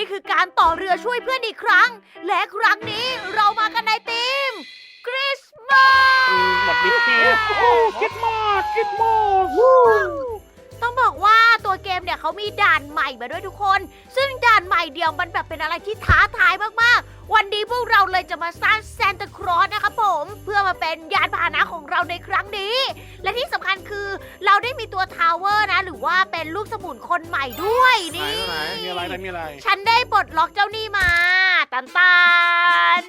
นี่คือการต่อเรือช่วยเพื่อนอีกครั้ง และครั้งนี้เรามากันในทีมคริสต์มาสหมดดิเกมคิดมากคิดมากต้องบอกว่าตัวเกมเนี่ยเขามีด่านใหม่มาด้วยทุกคน ซึ่งด่านใหม่เดียวมันแบบเป็นอะไรที่ท้าทายมากๆ วันนี้พวกเราเลยจะมาสร้างซานตาคลอสนะครับผม เพื่อมาเป็นยานพาหนะของเราในครั้งนี้ และที่สำคัญคือเราได้มีตัวทาวเวอร์นะ หรือว่าเป็นลูกสมุนคนใหม่ด้วยนี่มีอะไรฉันได้ปลดล็อกเจ้านี่มาตัน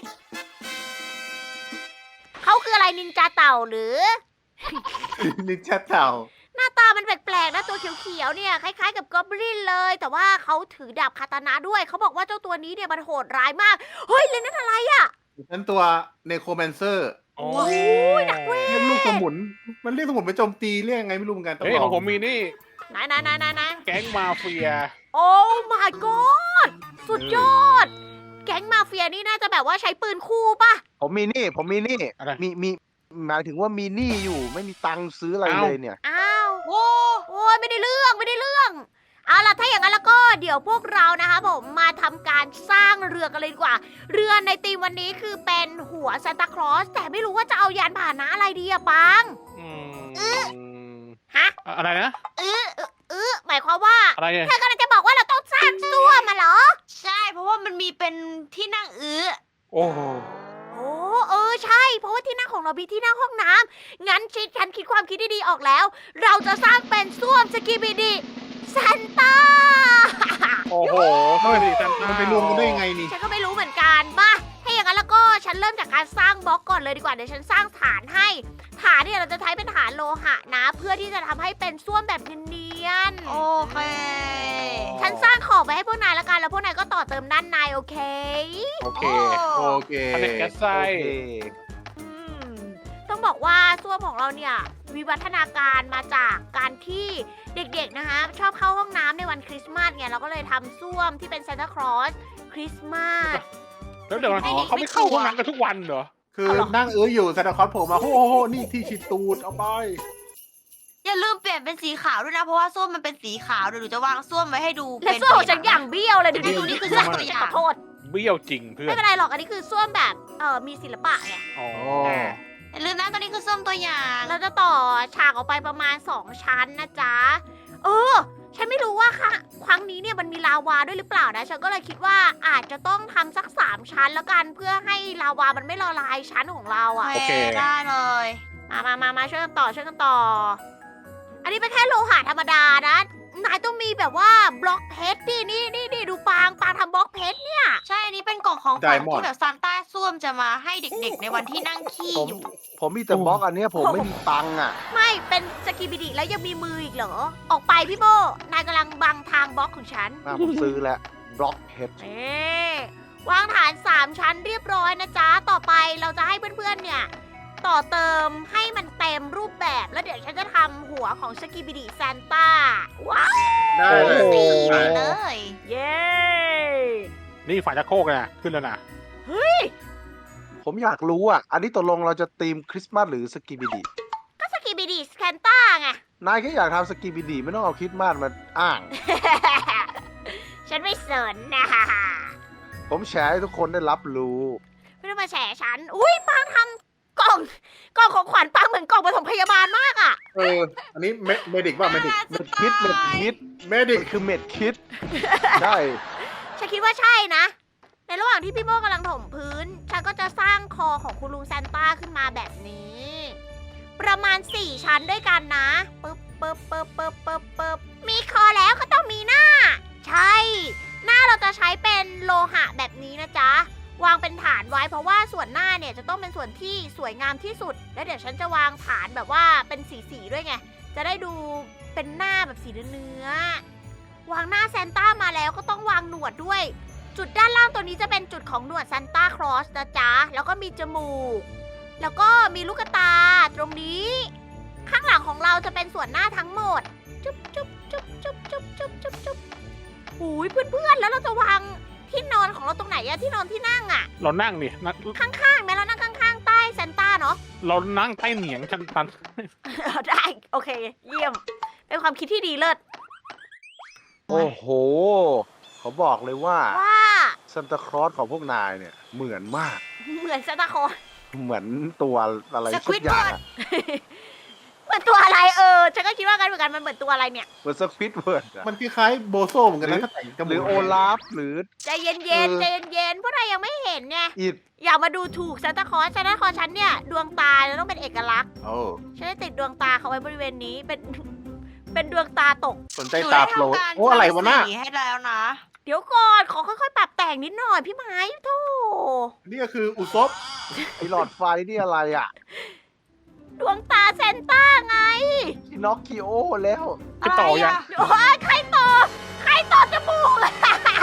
เขาคืออะไรนินจาเต่าหรือนินจาเต่าหน้าตามันแปลกๆนะตัวเขียวๆเนี่ยคล้ายๆกับกอบลินเลย แต่ว่าเขาถือดาบคาตานะด้วยเขาบอกว่าเจ้าตัวนี้เนี่ยมันโหดร้ายมาก เฮ้ยเลยนั่นอะไรอ่ะนั่นตัวเนโครแมนเซอร์โอ้หนักเว้ยเรียกลูกสมุน มันเรียกสมุนไปโจมตีเรียกยังไงไม่รู้เหมือนกันต้องเฮ้ยลขอองงผมมีนี่ไหนแก๊งมาเฟียโอ้ my god สุดยอด แก๊งมาเฟียนี่น่าจะแบบว่าใช้ปืนคู่ป่ะผมมีนี่อะไรมีหมายถึงว่ามีหนี้อยู่ไม่มีตังค์ซื้ออะไรเลยเนี่ยอ้าวโอ้ยไม่ได้เรื่องเอาล่ะถ้าอย่างนั้นแล้วก็เดี๋ยวพวกเรานะคะผมมาทำการสร้างเรือกันเลยดีกว่า เรือในธีมวันนี้คือเป็นหัวซานตาคลอสแต่ไม่รู้ว่าจะเอายานพาหนะอะไรดีอะปัง ฮะอะไรนะหมายความว่าอะไรเนี่ยเธอกำลังจะบอกว่าเราต้องสร้างซ่วมมาเหรอใช่ เพราะว่ามันมีเป็นที่นั่งอื้อโอ้โหโอ้ใช่ เพราะว่าที่นั่งของเรามีที่นั่งห้องน้ำงั้นฉันคิดความคิดดีๆออกแล้ว เราจะสร้างเป็นซ่วมสกีบิดีซานต้าโอ้โหเข้าไปดิซันต้ามันไปรวมกันได้ยังไงนี่ฉันก็ไม่รู้เหมือนกันป่ะถ้าอย่างนั้นแล้วก็ฉันเริ่มจากการสร้างบล็อกก่อนเลยดีกว่า เดี๋ยวฉันสร้างฐานให้ ฐานเนี่ยเราจะใช้เป็นฐานโลหะนะ เพื่อที่จะทำให้เป็นส้วมแบบเนียนโอเคๆฉันสร้างขอบไว้ให้พวกนายละกัน แล้วพวกนายก็ต่อเติมด้านในโอเคโอเคโอเคผลิตแก๊สไส้โอเคอืมต้องบอกว่าส้วมของเราเนี่ยวิวัฒนาการมาจากการที่เด็กๆนะคะชอบเข้าห้องน้ำในวันคริสต์มาสไงเราก็เลยทำส้วมที่เป็นซานตาคลอสคริสต์มาสแล้วเดี๋ยวเขาไม่เข้าห้องน้ำกันทุกวันเหรอคือเอาเหรอนั่งอยู่ซานตาคลอสโผล่มาโอ้โหนี่ที่ฉีดตูดเอาไปอย่าลืมเปลี่ยนเป็นสีขาวด้วยนะ เพราะว่าส้วมมันเป็นสีขาวเดี๋ยวหนูจะวางส้วมไว้ให้ดูและเป็นส้วมของฉันอย่างเบี้ยวเลยดูดินี่นี่คืคืออส้วมตัวอย่างขอโทษเบี้ยวจริงเพื่อไม่นเป็นไรหรอกอันนี้คือส้วมแบบมีศิลปะไงอ๋ออย่าลืมนะตัวนี้คือส้วมตัวอย่างเราจะต่อฉากออกไปประมาณ 2 ชั้นนะจ๊ะฉันไม่รู้ว่าค่ะครั้งนี้เนี่ยมันมีลาวาด้วยหรือเปล่านะฉันก็เลยคิดว่าอาจจะต้องทำสัก 3 ชั้นแล้วกันเพื่อให้ลาวามันไม่ละลายชั้นของเราอ่ะโอเคได้เลยมาช่วยกันต่อ อันนี้เป็นแค่โลหะธรรมดานะ นายต้องมีแบบว่าบล็อกเพชรดินี่ดูปางทำบล็อกเพชรเนี่ยใช่อันนี้เป็นกล่องของขวัญ Diamond ที่แบบซานต้าส้วมจะมาให้เด็กๆ ในวันที่นั่งขี้ผมอยู่ผมมีแต่บล็อกอันเนี้ยผมไม่มีตังค์อ่ะไม่เป็นสกิบิดิแล้วยังมีมืออีกเหรอ ออกไปพี่โบ นายกำลังบังทางบล็อกของฉันผมซื้อแล้วบล็อกเพชรวางฐาน 3 ชั้นเรียบร้อยนะจ๊ะ ต่อไปเราจะให้เพื่อนๆเนี่ย ต่อเติมให้มันเต็มรูปแบบ แล้วเดี๋ยวฉันจะทำหัวของสกิบิดิซานต้า ว้าวได้เลยตีไปเลยเย้นี่ฝ่ายตะโคกนะขึ้นแล้วนะผมอยากรู้อ่ะ อันนี้ตกลงเราจะธีมคริสต์มาสหรือสกีบิดีก็สกิบิดิซานต้าไงนายแค่อยากทำสกีบิดีไม่ต้องเอาคริสต์มาสมาอ้างฉันไม่สนนะผมแชร์ให้ทุกคนได้รับรู้ไม่ต้องมาแฉฉัน อุ้ยปางทำกล่องของขวัญปางเหมือนกล่องปฐมพยาบาลมากอ่ะอันนี้เมดิกว่าเมดิกเม็ดคิดเมดิกมันคือเม็ดคิด ใช่ฉันคิดว่าใช่นะ ในระหว่างที่พี่โมกำลังถมพื้น ฉันก็จะสร้างคอของคุณลุงซานต้าขึ้นมาแบบนี้ ประมาณ 4 ชั้นด้วยกันนะปึ๊บมีคอแล้วก็ต้องมีหน้า ใช่ หน้าเราจะใช้เป็นโลหะแบบนี้นะจ๊ะ วางเป็นฐานไว้เพราะว่าส่วนหน้าเนี่ยจะต้องเป็นส่วนที่สวยงามที่สุด แล้วเดี๋ยวฉันจะวางฐานแบบว่าเป็นสีๆด้วยไง จะได้ดูเป็นหน้าแบบสีเนื้อๆวางหน้าซานต้ามาแล้วก็ต้องวางหนวดด้วย จุดด้านล่างตัวนี้จะเป็นจุดของหนวดซานต้าคลอสนะจ๊ะ แล้วก็มีจมูก แล้วก็มีลูกตาตรงนี้ ข้างหลังของเราจะเป็นส่วนหน้าทั้งหมด จุ๊บหูยเพื่อนๆ แล้วเราจะวางที่นอนของเราตรงไหนอะที่นอนที่นั่งอะเรานั่งดินะข้างๆไหมเรานั่งข้างๆ ใต้ซานต้าเนาะเรานั่งใต้เหนียงชันตันได้ โอเค เยี่ยม เป็นความคิดที่ดีเลิศโอ้โห ขเขาบอกเลยว่าว่าซันตาคลอสของพวกนายเนี่ย เหมือนมากเหมือนซานตาคลอสเหมือนตัวอะไรสคสัวิกดอย่างเวิร์ดอะเหมือนตัวอะไรฉันก็คิดว่ากันเหมือนกันมันเหมือนตัวอะไรเนี่ยเหมือนสควิดเวิร์ดอะมันคล้ายๆโบโซเหมือนกันนะถ้าแต่งจมูกหรือโอลาฟหรือใจเย็นๆใจเย็นๆพวกนายยังไม่เห็นไงอิดอย่ามาดูถูกซานตาคลอสซานตาคลอสฉันเนี่ยดวงตาจะต้องเป็นเอกลักษณ์โอ้ฉันจะติดดวงตาเขาไว้บริเวณนี้เป็น เป็นดวงตาตกสนใจตาโปรดหนูด้ทำกาโอ้อะไรวะน่ะสีให้แล้วนะเดี๋ยวก่อนขอค่อยๆปรับแต่งนิดหน่อยพี่ไม้โธ่นี่ก็คืออุซบไอหลอดไฟนี่อะไรอ่ะดวงตาเซนต้าไงชิน็อกคิโอแล้วจะต่อยังโอ้ยใครต่อจมูกเลย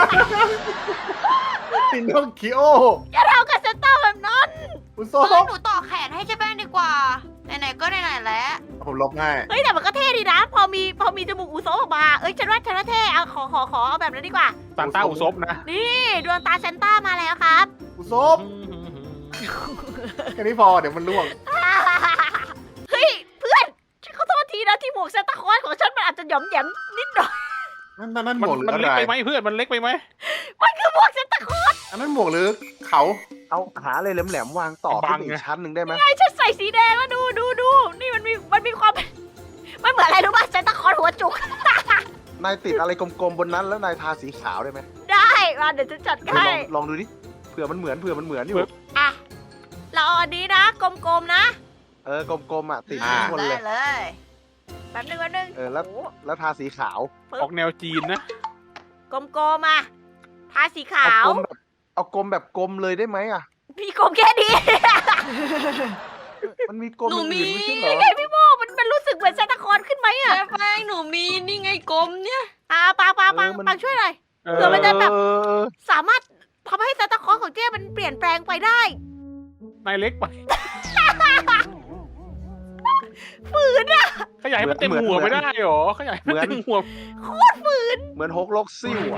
ปินโนคิโออย่าทำกับเซนต้าแบบนั้นอุซเอบอหนูต่อแขนให้เจ๊แป้งดีกว่า ไหนๆก็ไหนๆแล้วผมลบให้เฮ้ยแต่มันก็เท่ดีนะ พอมีจมูกอุโซออกมาฉันว่าเท่เอาขอเอาแบบนั้นดีกว่าซานต้าอุซบนะนี่ดวงตาเซนต้ามาแล้วครับอุซบแค่นี้พอเดี๋ยวมันล่วงเฮ้ยเพื่อนฉันขอโทษทีนะที่หมวกเซนต้าคลอสของฉันมันอาจจะหย่อมแหยมนิดหน่อยนั่นหมัมวกหรือมันอะเล็กไรไปไหมเพื่อนมันเล็กไปไหมมันคือหมวกเซนต้าคลอสอันนั้นหมวกหรือเขาเอาหาอะไรแหลมๆวางต่อขึ้นไปอีกชั้นหนึ่งได้ไหมไอ้ฉันใส่สีแดงแล้วดูนี่มันมีความมันเหมือนอะไรรู้ป่ะเซนต้าคลอสหัวจุกนายติดอะไรกลมๆบนนั้นแล้วนายทาสีขาวได้ไหมได้มาเดี๋ยวฉันจัดเออให้ลองดูดิเผื่อมันเหมือนอยู่อ่ะเราเอาอันนี้นะกลมๆนะเออกลมๆอ่ะติดทุกคนได้เลยเลยแป๊บนึงเออแล้วโอ้แล้วทาสีขาวออกแนวจีนนะกลมๆอ่ะทาสีขาวเอากลมแบบกลมเลยได้ไหมอ่ะมีกลมแค่นี้มันมีกลมหนูมีอื่นๆไม่ใช่เหรอไงพี่โมมันรู้สึกเหมือนซานตาคลอสขึ้นไหมอ่ะเจ๊แป้งหนูมีนี่ไงกลมเนี่ยปังช่วยหน่อย เผื่อมันจะแบบเออสามารถทำให้ซานตาคลอสของเจ้มันเปลี่ยนแปลงไปได้นายเล็กไปฝืนอะขยายให้มันเต็มหัวไม่ได้หรอขยายให้มันเต็มหัวเหมือนฮกลกซิ่วอ่ะ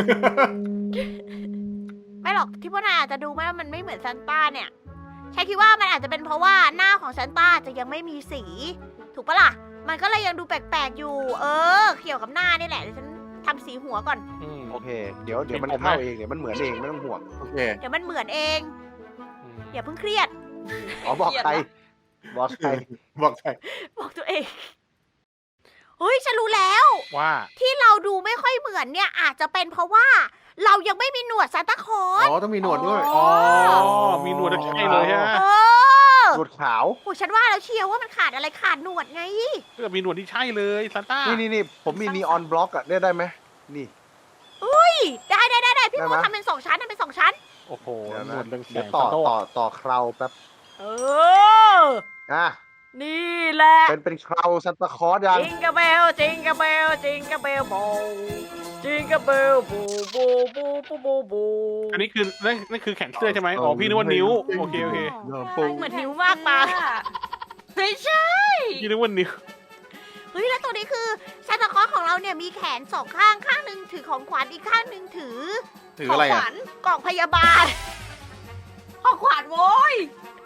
ไม่หรอกที่พวกนายอาจจะดูไหมว่ามันไม่เหมือนซานต้าเนี่ยฉันคิดว่ามันอาจจะเป็นเพราะว่าหน้าของซานต้าจะยังไม่มีสี ถูกปะล่ะ มันก็เลยยังดูแปลกๆอยู่ เกี่ยวกับหน้านี่แหละเดี๋ยวฉันทำสีหัวก่อนโอเค เดี๋ยวมันเข้าเองเดี๋ยวมันเหมือนเองไม่ต้องห่วงโอเคเดี๋ยวมันเหมือนเองอย่าเพิ่งเครียดอ๋อบอกใครบอกใครบอกใครบอกตัวเองเฮ้ยฉันรู้แล้วว่าที่เราดูไม่ค่อยเหมือนเนี่ยอาจจะเป็นเพราะว่าเรายังไม่มีหนวดซานตาคลอสอ๋อต้องมีหนวดด้วยอ๋อ มีหนวดใช่เลยฮะเออหนวดขาวโอ้ฉันว่าแล้วเชียวว่ามันขาดอะไรขาดหนวดไงเพื่อมีหนวดที่ใช่เลยซานต้านี่ผมมีนีออนบล็อกอ่ะได้ไหมนี่ได้พี่ได้โมไหมทำเป็นสองชั้นทำเป็นสองชั้นโอ้โหเดี๋ยวหนนะวดเรื่องแสเดี๋ยวงต่อซานโต้ต่อเคราแป๊บเอออ่ะนี่แหละเป็นเคราซันตาคลอสยังจิงกะเบลจิงกะเบลจิงกะเบลโบจิงกะเบลบูบูบูบูบูบูอันนี้คือนั่นคือแขนเสื้อใช่ไหมอ๋อพี่นึกว่านิ้วโอเคเหมือนนิ้วมากปาไม่ใช่พี่นึกว่านิ้วเฮ้ยแล้วตัวนี้คือซานตาคลอสของเราเนี่ยมีแขนสองข้างข้างหนึ่งถือของขวัญอีกข้างหนึ่งถือถืออะไรขอ่ะวัญกล่องพยาบาลของขวัญโว้ย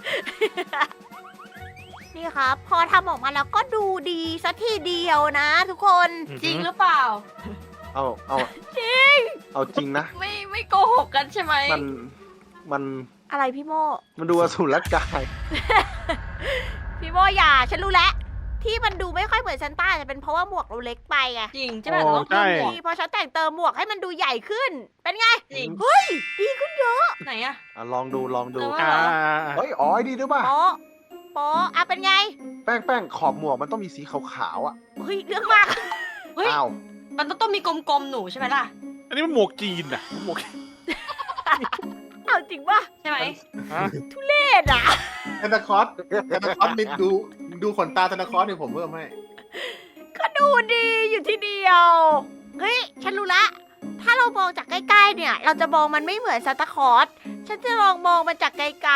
นี่ครับ พอทำออกมาแล้วก็ดูดีสัทีเดียวนะทุกคนจริงหรือเปล่าเอาจริงเอาจริงนะไม่โกหกกันใช่ไหมมันอะไรพี่โมมันดูอสูรกายพี่โมอย่าฉันรู้แล้วที่มันดูไม่ค่อยเหมือนซันต้าจะเป็นเพราะว่าหมวกเราเล็กไปไงจริงใช่ไหมเราต้องเพิ่มหมวกนี่พอฉันแต่งเติมหมวกให้มันดูใหญ่ขึ้น เป็นไงจริงเฮ้ย ดีขึ้นเยอะไหนอะลองดูเออเฮ้ยอ๋อไอ้ดีด้วยป่ะโป๊ะโป๊ะอ่ะเป็นไงแป้งขอบหมวกมันต้องมีสีขาวๆอ่ะเฮ้ยเรื่องมากเฮ้ยอ้าวมันต้องมีกลมๆหนูใช่ไหมล่ะอันนี้มันหมวกจีนอะหมวกเอาจริงป่ะใช่ไหมเอ็ดอ่ะซานตาคลอสนี่ดูขนตาซานตาคลอสเนี่ยผมเพิ่มให้ก็ดูดีอยู่ทีเดียว เฮ้ย ฉันรู้ละ ถ้าเรามองจากใกล้ๆเนี่ย เราจะมองมันไม่เหมือนซานตาคลอส ฉันจะลองมองมันจากไกล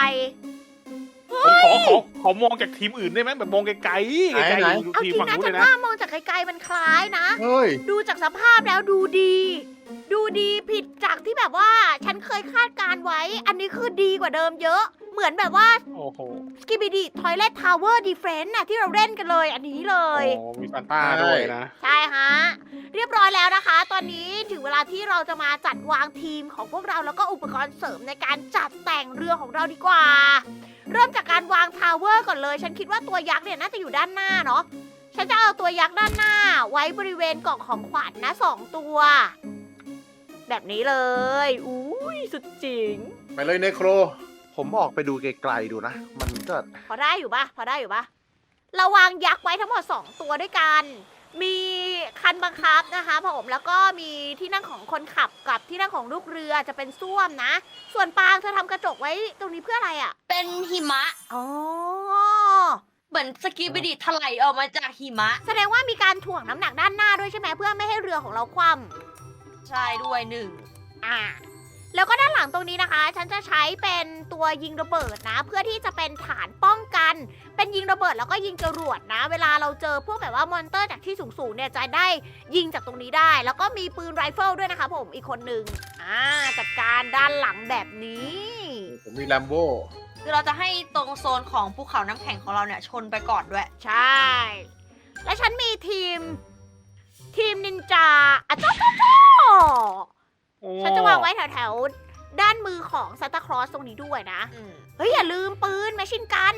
ผมขอมองจากทีมอื่นได้ไหมแบบมองไกลๆไกลไหนๆดูๆ เอาทีจมริงฝั่งนะนู้นฉัเลนยนะว่ามองจากไกลๆมันคล้ายนะเฮ้ยดูจากสภาพแล้วดูดี ดูดีผิดจากที่แบบว่า ฉันเคยคาดการไว้ อันนี้คือดีกว่าเดิมเยอะเหมือนแบบว่าโอ้โห Skibidi Toilet Tower Defense น่ะที่เราเล่นกันเลยอันนี้เลยโอ้มีซานต้าด้วยนะใช่ฮะ เรียบร้อยแล้วนะคะ ตอนนี้ถึงเวลาที่เราจะมาจัดวางทีมของพวกเราแล้วก็อุปกรณ์เสริมในการจัดแต่งเรือของเราดีกว่า เริ่มจากการวางทาวเวอร์ก่อนเลย ฉันคิดว่าตัวยักษ์เนี่ยน่าจะอยู่ด้านหน้าเนาะ ฉันจะเอาตัวยักษ์ด้านหน้า ไว้บริเวณกล่องของขวัญนะ2 ตัว แบบนี้เลย อุ้ยสุดจริงไปเลยเนโครผมออกไปดูไกลๆดูนะ มันก็พอได้อยู่ปะพอได้อยู่ปะเราวางยักษ์ไว้ทั้งหมด2 ตัวด้วยกัน มีคันบังคับนะคะผมแล้วก็มีที่นั่งของคนขับกับที่นั่งของลูกเรือจะเป็นส้วมนะ ส่วนปางเธอทำกระจกไว้ตรงนี้เพื่ออะไรอ่ะเป็นหิมะอ๋อเหมือนสกีบิดิถลายออกมาจากหิมะแสดงว่ามีการถ่วงน้ำหนักด้านหน้าด้วยใช่ไหมเพื่อไม่ให้เรือของเราคว่ใช่ด้วยหนึ่งำอ่า แล้วก็ด้านหลังตรงนี้นะคะ ฉันจะใช้เป็นตัวยิงระเบิดนะ เพื่อที่จะเป็นฐานป้องกัน เป็นยิงระเบิดแล้วก็ยิงจรวดนะ เวลาเราเจอพวกแบบว่ามอนเตอร์จากที่สูงๆเนี่ยจะได้ยิงจากตรงนี้ได้ แล้วก็มีปืนไรเฟิลด้วยนะคะผมอีกคนนึงจัดการด้านหลังแบบนี้ผมมีแลมโบ้คือเราจะให้ตรงโซนของภูเขาน้ำแข็งของเราเนี่ยชนไปก่อนด้วยใช่ และฉันมีทีมนินจาอ่ะจ้าโอ้ฉันจะวางไว้แถวๆด้านมือของซานตาคลอสตรงนี้ด้วยนะ เฮ้ย อย่าลืมปืนแมชชินกัน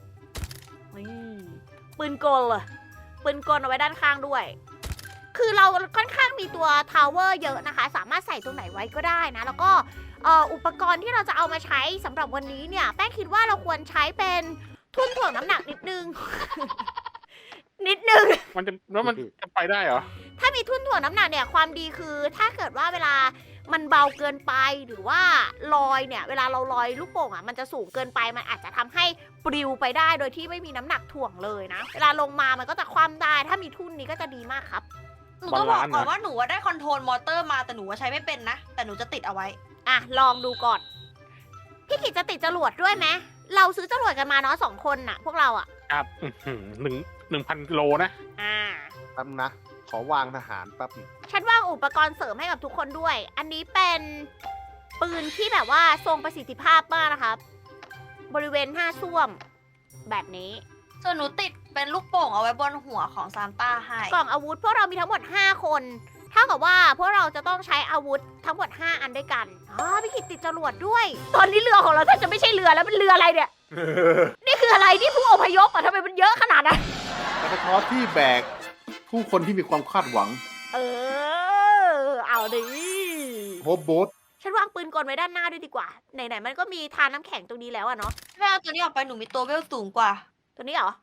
ปืนกลเลยปืนกลเอาไว้ด้านข้างด้วย คือเราค่อนข้างมีตัวทาวเวอร์เยอะนะคะ สามารถใส่ตรงไหนไว้ก็ได้นะ แล้วก็อุปกรณ์ที่เราจะเอามาใช้สำหรับวันนี้เนี่ย แป้งคิดว่าเราควรใช้เป็นทุ่นถ่วงน้ำหนักนิดนึง นิดนึงมันจะแล้วมันจะไปได้เหรอถ้ามีทุ่นถ่วงน้ำหนักเนี่ยความดีคือถ้าเกิดว่าเวลามันเบาเกินไปหรือว่าลอยเนี่ย เวลาเราลอยลูกโป่งอ่ะมันจะสูงเกินไปมันอาจจะทำให้ปลิวไปได้โดยที่ไม่มีน้ำหนักถ่วงเลยนะ เวลาลงมามันก็จะคว่ำได้ ถ้ามีทุ่นนี้ก็จะดีมากครับหนูต้องบอกก่อนบาลานซ์นะว่าหนูว่าได้คอนโทรลมอเตอร์มาแต่หนูว่าใช้ไม่เป็นนะ แต่หนูจะติดเอาไว้อ่ะลองดูก่อนพี่กิจจะติดจรวดด้วยไหมเราซื้อจรวดกันมาเนาะ2 คนน่ะ พวกเราอ่ะครับ1,000 โลนะอ่าแป๊บนะ ขอวางทหารแป๊บหนึ่งฉันวางอุปกรณ์เสริมให้กับทุกคนด้วย อันนี้เป็นปืนที่แบบว่าทรงประสิทธิภาพมากนะครับ บริเวณ5ส้วม แบบนี้ส่วนหนูติดเป็นลูกโป่งเอาไว้บนหัวของซานต้าให้กล่องอาวุธพวกเรามีทั้งหมด5 คนเท่ากับว่าพวกเราจะต้องใช้อาวุธทั้งหมด5 อันด้วยกันพี่กิตติดจรวดด้วย ตอนนี้เรือของเราแทบจะไม่ใช่เรือแล้วเป็นเรืออะไรเนี่ย นี่คืออะไรนี่ผู้อพยพอ่ะทำไมมันเยอะขนาดนั้นซานตาคลอสที่แบกผู้คนที่มีความคาดหวังเอาดิโฮปโบ๊ทฉันวางปืนกลไว้ด้านหน้าด้วยดีกว่า ไหนๆมันก็มีทานน้ำแข็งตรงนี้แล้วอะเนาะแม่เอาตัวนี้ออกไปหนูมีตัวเวลสูงกว่าตัวนี้เหรอ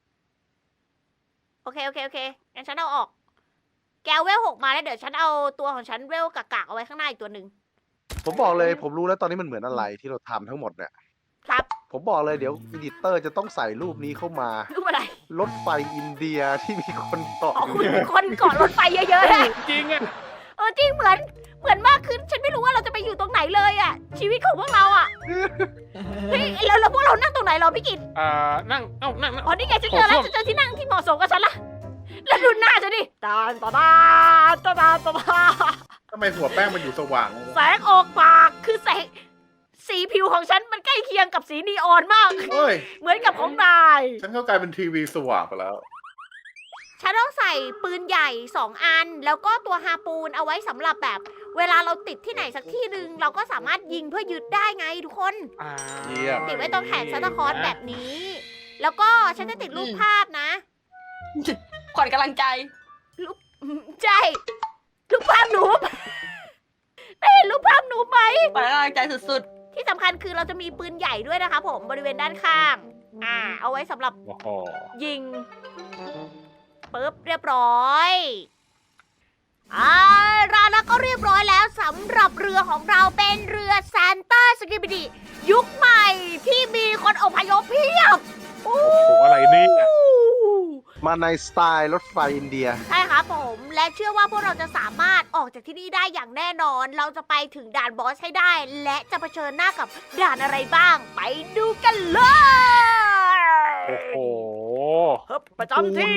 โอเคงั้นฉันเอาออก แกวเวล6มาแล้วเดี๋ยวฉันเอาตัวของฉันเวลกากๆเอาไว้ข้างหน้าอีกตัวหนึ่งผมบอกเลยผมรู้แล้วตอนนี้มันเหมือนอะไรที่เราทำทั้งหมดเนี่ยครับผมบอกเลยเดี๋ยวอีดิเตอร์จะต้องใส่รูปนี้เข้ามารูปอะไรรถไฟอินเดียที่มีคนเกาะอ๋ออยู่คุณเนี่ยคนเกาะรถไฟเยอะๆนะจริงอ่ะจริงเหมือนมากขึ้น ฉันไม่รู้ว่าเราจะไปอยู่ตรงไหนเลยอะชีวิตของพวกเราอะเฮ้ยแล้วพวกเรานั่งตรงไหนเหรอพี่กิตนั่งนั่งอ๋อนี่ไงฉันเจอแล้วฉันเจอที่นั่งที่เหมาะสมกับฉันละแล้วดูหน้าฉันดิตาทำไมหัวแป้งมันอยู่สว่างแสงออกปากคือแสงสีผิวของฉันมันใกล้เคียงกับสีนีออนมากเฮ้ยเหมือนกับของนายฉันก็กลายเป็นทีวีสว่างไปแล้วฉันต้องใส่ปืนใหญ่2 อัน แล้วก็ตัวฮาปูนเอาไว้สำหรับแบบ เวลาเราติดที่ไหนสักที่หนึ่งเราก็สามารถยิงเพื่อยึดได้ไงทุกคนเยี่ยมติดไว้ตรงแขนซานตาคลอสแบบนี้ แล้วก็ฉันจะติดรูปภาพนะขวัญกำลังใจใช่รูปภาพหนูได้เห็นรูปภาพหนูไหมขวัญกำลังใจสุดที่สำคัญคือเราจะมีปืนใหญ่ด้วยนะคะผมบริเวณด้านข้าง เอาไว้สำหรับโอ้โหยิงปึ๊บเรียบร้อยแล้วก็เรียบร้อยแล้วสำหรับเรือของเราเป็นเรือซานต้าสกิบิดิยุคใหม่ที่มีคนอพยพเพียบโอ้โหอะไรเนี่ยมาในสไตล์รถไฟอินเดียใช่ครับผมและเชื่อว่าพวกเราจะสามารถออกจากที่นี่ได้อย่างแน่นอน เราจะไปถึงด่านบอสให้ได้ และจะเผชิญหน้ากับด่านอะไรบ้าง ไปดูกันเลยโอ้โหฮึบประจำที่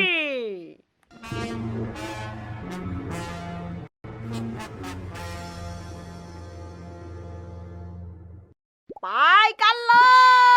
ไปกันเลย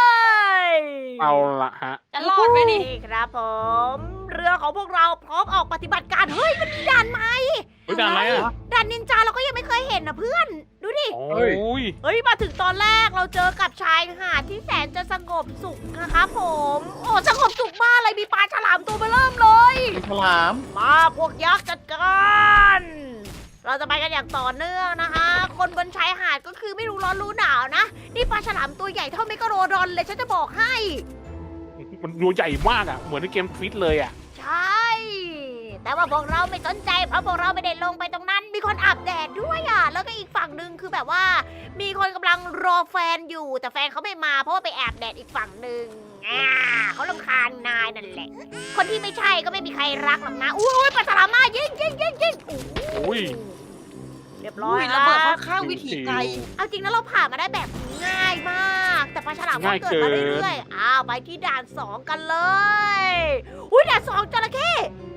เอาละฮะจะรอดไหมนี่ครับผม เรือของพวกเราพร้อมออกปฏิบัติการ เฮ้ย มันมีด่านใหม่เฮ้ยด่านอะไรอ่ะด่านนินจาเราก็ยังไม่เคยเห็นนะเพื่อน ดูดิโอ้ยเฮ้ย มาถึงตอนแรกเราเจอกับชายหาดที่แสนจะสงบสุขนะครับผม โอ้สงบสุขมากเลย มีปลาฉลามตัวเบอเริ่มเลยฉลามมาพวกยักษ์จัดการ เราจะไปกันอย่างต่อเนื่องนะคะ คนบนชายหาดก็คือไม่รู้ร้อนรู้หนาวนะ นี่ปลาฉลามตัวใหญ่เท่าเมกะโรดอนเลยฉันจะบอกให้มันตัวใหญ่มากอ่ะ เหมือนในเกมฟิตเลยอ่ะใช่ แต่ว่าพวกเราไม่สนใจเพราะพวกเราไม่ได้ลงไปตรงนั้น มีคนอาบแดดด้วยอ่ะ แล้วก็อีกฝั่งหนึ่งคือแบบว่า มีคนกำลังรอแฟนอยู่ แต่แฟนเขาไม่มาเพราะว่าไปแอบแดดอีกฝั่งหนึ่งเขารำคาญนายนั่นแหละ คนที่ไม่ใช่ก็ไม่มีใครรักหรอกนะ อุ้ยปลาฉลามมายิงอุ้ยเรียบร้ออุ้ยยแล้ระวเบิดค่อนข้างวิถีไกลเอาจริงนะเราผ่านมาได้แบบง่ายมาก แต่ปลาฉลามก็เกิดมาเรื่อยๆอ้าวไปที่ด่าน 2 กันเลย อุ้ยด่าน 2จระเข้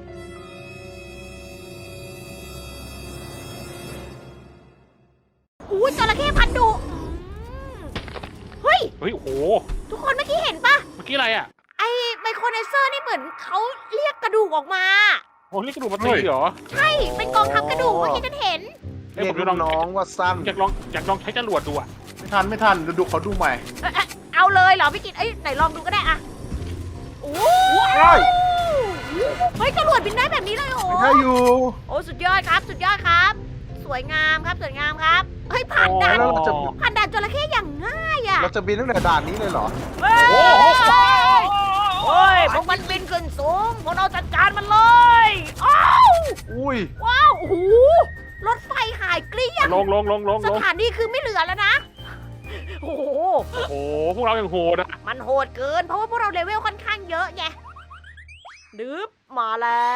อุ้ยจระเข้พันธุ์ดุเฮ้ยเฮ้ย โอ้โหทุกคนเมื่อกี้เห็นปะเมื่อกี้อะไรอ่ะไอ้ไมโครไนเซอร์นี่เหมือนเขาเรียกกระดูกออกมาโอ้นี่กระดูกมาตีเหรอใช่เป็นกองทัพกระดูกเมื่อกี้ฉันเห็นเอ้ยเรีผยมกจะลองน้องว่าสั้นอยากลองใช้จรวดดูอ่ะไม่ทันดูเขาดูใหม่เอาเลยเหรอพี่กินเอ้ยไหนลองดูก็ได้อะโอ้เฮ้ยเฮ้ยจรวดบินได้แบบนี้เลยเหรอไม่ใช่อยู่โอ้สุดยอดครับสุดยอดครับ สวยงามครับสวยงามครับเฮ้ยผ่านด่านแล้วเราจะผ่านด่านจระเข้อย่างง่ายอ่ะเราจะบินตั้งแต่ด่านนี้เลยเหรอเฮ้ยโอ้โหโอ้ยพวกมันบินขึ้นสูงพวกเราจัดการมันเลยอ้าวอุ้ยว้าวโอ้โหรถไฟหายเกลี้ยงลงสถานีคือไม่เหลือแล้วนะโอ้โหโอ้โห พวกเรายังโหดอ่ะมันโหดเกิน เพราะว่าพวกเราเลเวลค่อนข้างเยอะไงดึบมาแล้ว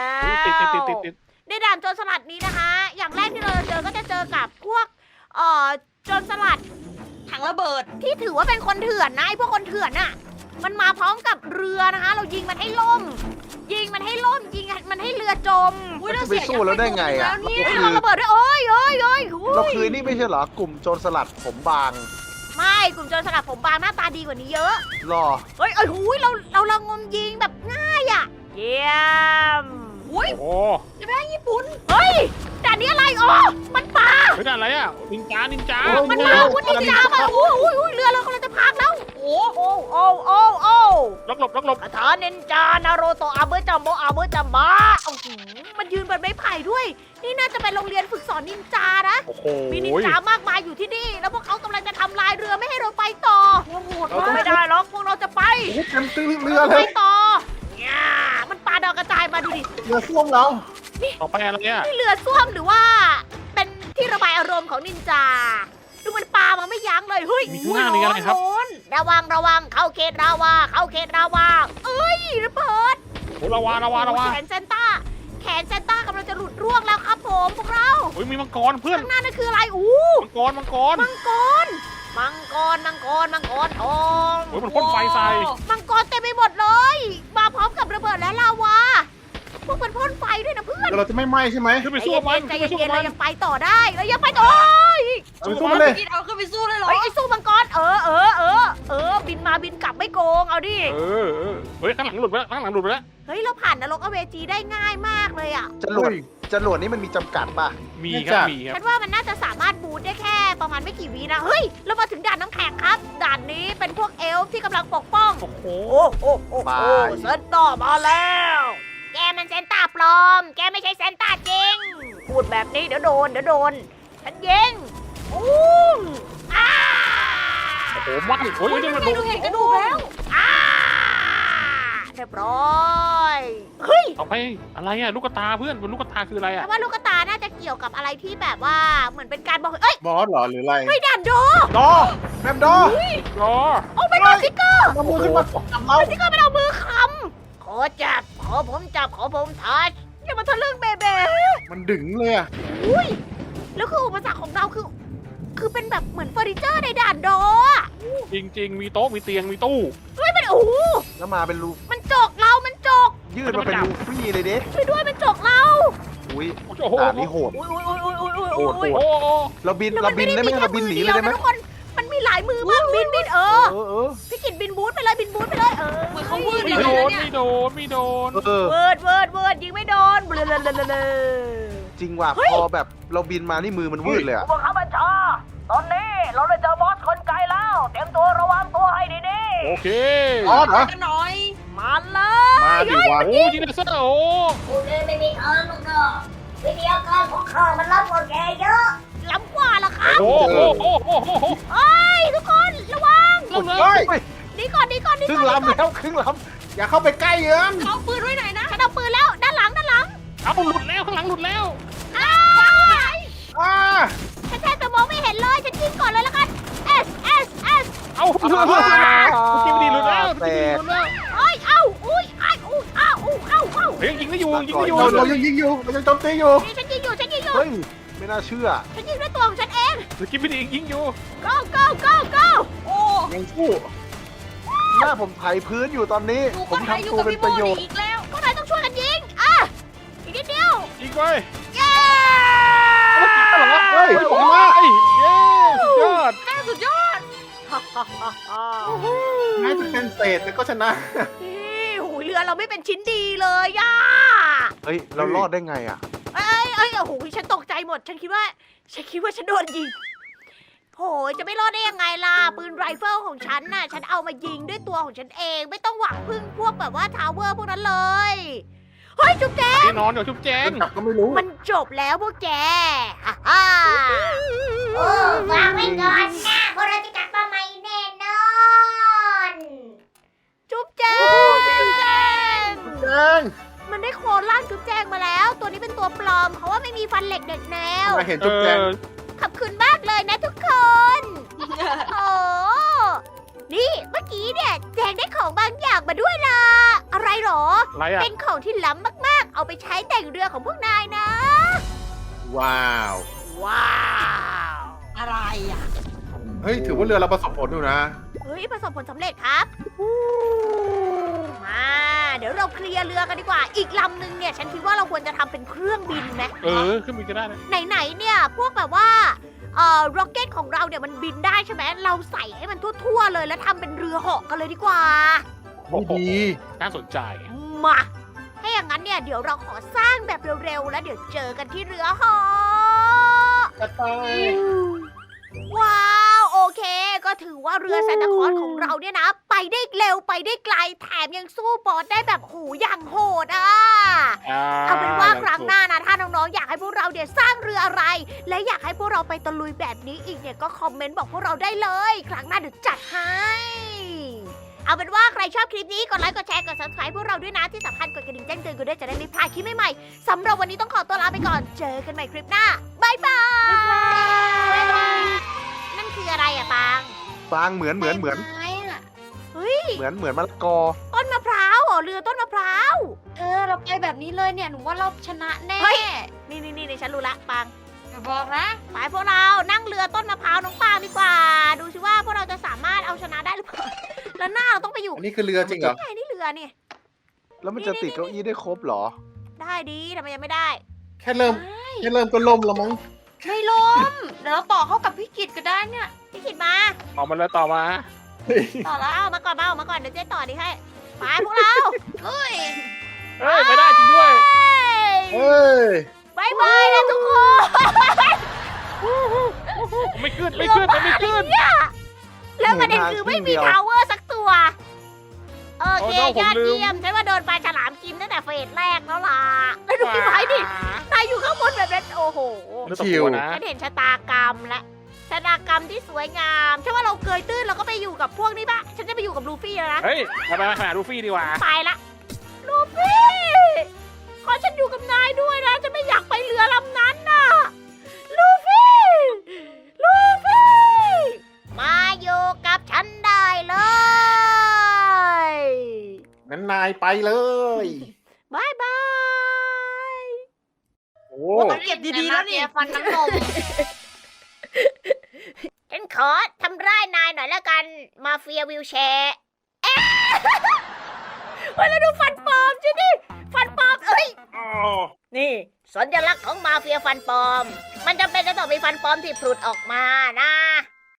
ติดในด่านโจรสลัดนี้นะคะ อย่างแรกที่เราจะเจอก็จะเจอกับพวกโจรสลัดถังระเบิดที่ถือว่าเป็นคนเถื่อนนะไอ้พวกคนเถื่อนน่ะ มันมาพร้อมกับเรือนะคะ เรายิงมันให้ล่ม ยิงมันให้ล่ม ยิงมันให้เรือจมอุ้ยมันเราจะไปเสียสู้แล้วได้ไงอ่ะแล้วเนี่ยเฮ้ยเราระเบิดด้วยโอ้ยโอ้ยโอ้ยโอ้ยเราคือนี่ไม่ใช่เหรอกลุ่มโจรสลัดผมบางไม่กลุ่มโจรสลัดผมบางหน้าตาดีกว่านี้เยอะรอเฮ้ยเอ้ยหูยเราระงมยิงแบบง่ายอ่ะ เยี่ยมอุ้ยโอ้จะไปญี่ปุ่นเฮ้ยด่านนี้อะไรอ๋อมันปลาเฮ้ยด่านอะไรอ่ะ นินจามันมาวุ้นนินจามาโอ้ยเรือเรากำลังจะพังแล้วโอ้โอ้โอ้โอ้โอ้ล็อกหลบคาถานินจานาโรโตะอาเบอร์จัมโบอาเบอร์จัมบะโอ้โหมันยืนบนไม้ไผ่ด้วย นี่น่าจะเป็นโรงเรียนฝึกสอนนินจานะโอ้โหมีนินจามากมายอยู่ที่นี่ แล้วพวกเขากำลังจะทำลายเรือไม่ให้เราไปต่อโหดเรามาต้องกไม่ได้หรอกพวกเราจะไปโอ้โหเต็มตื้อเรือเลไปยต่อเนี่ยมันปาดาวกระจายมาดูดิเรือส้วมเราต่อไปอะไรอ่ะนี่เรือส้วมหรือว่า เป็นที่ระบายอารมณ์ของนินจา ดูมันปามาไม่ยั้งเลย เฮ้ยมีข้างหน้านี่อะไรครับโน้นระวังเข้าเขตราวาเข้าเขตราวาเอ้ยระเบิดโอ้ระวาแขนเซนต้ากำลังจะหลุดร่วงแล้วครับผมพวกเราเฮ้ย มีมังกรเพื่อนข้างหน้านั่นคืออะไรอู้มังกรมังกรทองโอ้ยมันพ่นไฟใส่มังกรเต็มไปหมดเลย มาพร้อมกับระเบิดและลาวา พวกมันพ่นไฟด้วยนะเพื่อนเดี๋ยวเราจะไม่ไหม้ใช่ไหมขึ้นไปสู้มันใจขึ้นไปสู้เย็นๆมัเรานยังไปต่อได้เรายังไปต่อเอาไปสู้มันเลยกินเอาขึ้นไปสู้เลยเหรอเฮ้ยไอ้สู้มังกรบินมาบินกลับไม่โกงเอาดิเออเฮ้ย ข้างหลังหลุดไปแล้วเฮ้ยเราผ่านนรกอเวจีได้ง่ายมากเลยอ่ะจรวดนี่มันมีจำกัดป่ะมีไม่คจัรับบมีครับฉันว่ามันน่าจะสามารถบูทได้แค่ประมาณไม่กี่วินะ เฮ้ย เรามาถึงด่านน้ำแข็งครับ ด่านนี้เป็นพวกเอลฟ์ที่กำลังปกป้องโอ้โหไปเซนต้ามาแล้ว แกมันเซนต้าปลอม แกไม่ใช่เซนต้าจริง พูดแบบนี้เดี๋ยวโดน ฉันยิงอู้มอ้าโอ้โหมันโอ้ยนี่มันไม่ดูเห็นกระดูกแล้วอ้าเรียบร้อย เฮ้ยต่อไปอะไรอ่ะ ลูกตาเพื่อนบนลูกตาคืออะไรแต่อ่ะว่าลูกตาน่าจะเกี่ยวกับอะไรที่แบบว่าเหมือนเป็นการบอกเอ้ยบอสเหรอหรืออะไรเฮ้ยด่านโดดอแมมดอรอโอ้ไม่ได้สติ๊กเกอร์เอามือขึ้นมาจับเราสติ๊กเกอร์ไม่เอามือคำขอจับ ขอผมจับ ขอผมทัชอย่ามาทะลึ่งเบเบ้มันดึงเลยอะอุ้ย แล้วคืออุปสรรคของเราคือเป็นแบบเหมือนเฟอร์นิเจอร์ในด่านโดอะจริง ๆ มีโต๊ะ มีเตียง มีตู้เฮ้ยมันโอ้โหแล้วมาเป็นรูมันจกเรา มันจกยืดมาเป็นรูฟรี่เลยเด้ช่วยด้วยมันจกเราอุ้ยโอ้โหด่านนี้โหดอุ้ยอุ้ยอุ้ยอุ้ยอุ้ยโหดอุ้ยโอ้โหเราบินได้ไหมเราบินหนีเลยได้ไหมทุกคน มันมีหลายมือมากบินเออเออพี่กิตบินบูทไปเลยบินบูทไปเลยเหมือนเขาวืดไม่เลยโดนะนเนี่ยไม่โดนไม่โดนเออเวิร์ดยิงไม่โดนเบลอจริงว่ะพอแบบเราบินมานี่มือมันวืดเลยอะผู้บังคับบัญชาตอนนี้เราได้เจอบอสคนไกลแล้ว เตรียมตัวระวังตัวให้ดีโอเคอ๋อเหรอกันหน่อยๆมาเลยมาดิวะโอ้ยิงเลเซอร์โอ้กูเลยไม่มีทางหรอกนะวิทยาการของข้ามันล้ำกว่าแกเยอะล้ำกว่าล่ะครับโหโอ้โหเอ้ยทุกคนระวังลงเลยเฮ้ยหนีก่อนครึ่งลำแล้วครึ่งลอย่าเข้าไปใกล้เอิมเขาปืนไว้ไหนนะฉันเอาปืนแล้วด้านหลังเอาหลุดแล้วข้างหลังหลุดแล้วอ้าวอ่าฉันแทบจะมองไม่เห็นเลยฉันยิงก่อนเลยละกัน S เอาำสกิปดีหลุดแล้วสกิปดีหลุดแล้วเอ้ยเอ้าอุ้ยอ้ายอุ้ยอ้าวอุ้ยเอ้าเฮ้ยยิงได้อยู่ยิงได้อยู่เรายังยิงอยู่เรายังโจมตีอยู่นี่ฉันยิงอยู่เฮ้ยไม่น่าเชื่อฉันยิงด้วยตัวของฉันเองสกิปดียิงอยู่ go โอ้ยังสู้หน้าผมไถพื้นอยู่ตอนนี้หนูผก็มไทยอทำยู่ตัวกับเป็นพี่ประโมโยชน์อีกแล้วพวกนายต้องช่วยกันยิงอีกนิดเดียวยิงไปเย้เฮ้ยผมมาเย้สุดยอดแม่สุดยอดแม้จะเป็นเศษแต่ก็ชนะนี่หูยเรือเราไม่เป็นชิ้นดีเลยย่าเฮ้ยเรารอดได้ไงอ่ะเอ้ยโอ้โหฉันตกใจหมด ฉันคิดว่าฉันโดนยิงโหยจะไม่รอดได้ยังไงล่ะ ปืนไรเฟิลของฉันน่ะ ฉันเอามายิงด้วยตัวของฉันเอง ไม่ต้องหวังพึ่งพวกแบบว่าทาวเวอร์พวกนั้นเลย เฮ้ยจุ๊บแจ๊แน่นอนเดี๋ยวชุบแจงจับก็ไม่รู้มันจบแล้วพวกแกฮ่าฮ่าวางไว้ก่อนนะพวกเราจะกลับมาใหม่แน่นอน จุ๊บแจ๊งแดงมันได้โคลนร่างจุ๊บแจงมาแล้ว ตัวนี้เป็นตัวปลอม เพราะว่าไม่มีฟันเหล็กเด็กแนวมาเห็นจุ๊บแจงขอบคุณมากเลยนะทุกคน โอ้นี่เมื่อกี้เนี่ยแจงได้ของบางอย่างมาด้วยล่ะ อะไรหรออะไรอ่ะเป็นของที่ล้ำมากๆ เอาไปใช้แต่งเรือของพวกนายนะว้าวว้าวอะไรอ่ะเฮ้ยถือว่าเรือเราประสบผลอยู่นะเฮ้ยประสบผลสำเร็จครับมาเดี๋ยวเราเคลียร์เรือกันดีกว่า อีกลำหนึ่งเนี่ย ฉันคิดว่าเราควรจะทำเป็นเครื่องบินไหมขึ้นบินก็ได้นะไหนๆเนี่ยพวกแบบว่าร็อกเก็ตของเราเนี่ยมันบินได้ใช่ไหมเราใส่ให้มันทั่วๆเลยแล้วทำเป็นเรือเหาะกันเลยดีกว่าดีน่าสนใจมาถ้าอย่างนั้นเนี่ยเดี๋ยวเราขอสร้างแบบเร็วๆแล้วเดี๋ยวเจอกันที่เรือเหาะจะตายว้าวโอเค ก็ถือว่าเรือซานตาคลอสของเราเนี่ยนะ ไปได้เร็วไปได้ไกลแถมยังสู้บอสได้แบบหูอย่างโหดอ่ะ เอาเป็นว่าครั้งหน้านะถ้าน้องๆอยากให้พวกเราเนี่ยสร้างเรืออะไร และอยากให้พวกเราไปตะลุยแบบนี้อีกเนี่ยก็คอมเมนต์บอกพวกเราได้เลย ครั้งหน้าเดี๋ยวจัดให้ เอาเป็นว่าใครชอบคลิปนี้กดไลค์กดแชร์กด subscribe พวกเราด้วยนะที่สำคัญกดกระดิ่งแจ้งเตือนกันด้วยจะได้ไม่พลาดคลิปใหม่ๆสำหรับวันนี้ต้องขอตัวลาไปก่อนเจอกันใหม่คลิปหน้าบายบายนั่นคืออะไรอะปางฟางเหมือนไม้อะเฮ้ยเหมือนมะละกอต้นมะพร้าวเหรอเรือต้นมะพร้าวเราไปแบบนี้เลยเนี่ย หนูว่าเราชนะแน่เฮ้ย นี่ฉันรู้ละปางอย่าบอกนะไปพวกเรานั่งเรือต้นมะพร้าวน้องปางดีกว่า ดูสิว่าพวกเราจะสามารถเอาชนะได้หรือเปล่า แล้วหน้าเราต้องไปอยู่อันนี้คือเรือจริงเหรอไงนี่เรือนี่แล้วมันจะติดเก้าอี้ได้ครบเหรอได้ดีทำไมยังไม่ได้แค่เริ่มก็ล่มแล้วมั้งไม่ล้ม เดี๋ยวเราต่อเข้ากับพี่กิตก็ได้เนี่ยพี่ขิดมาออกมาแล้วต่อมาต่อละเอามาก่อนมาก่อนเดี๋ยวเจ๊ต่อดีให้ไปพวกเราเฮ้ยเฮ้ยไม่ได้จริงด้วยเฮ้ยบายบายนะทุกคนไม่ขึ้นไม่ขึ้นเนี่ยแล้วประเด็นคือไม่มีทาวเวอร์สักตัวโอเคยอดเยี่ยมฉันว่าโดนปลาฉลามกินตั้งแต่เฟสแรกแล้วล่ะแล้วดูพี่ไม้ดินายอยู่ข้างบนแบบนั้นโอ้โหชิวนะฉันเห็นชะตากรรมและชะตากรรมที่สวยงามใช่ว่าเราเกยตื้นเราก็ไปอยู่กับพวกนี้ปะฉันจะไปอยู่กับลูฟี่แล้วนะเฮ้ยไปหาลูฟี่ดีกว่าไปละลูฟี่ขอฉันอยู่กับนายด้วยนะฉันไม่อยากไปเรือลำนั้นน่ะลูฟี่มาอยู่กับฉันได้เลยงั้นนายไปเลยบายบายโอ้ต้องเก็บดีๆแล้วนี่ฟันน้ำนมฉันขอทำร้ายนายหน่อยแล้วกันมาเฟียวิวแชร์ เฮ้ยแล้วดูฟันปลอมใช่ดิฟันปลอมเอ้ย นี่สัญลักษณ์ของมาเฟียฟันปลอม มันจำเป็นจะต้องมีฟันปลอมที่ผลุดออกมานะ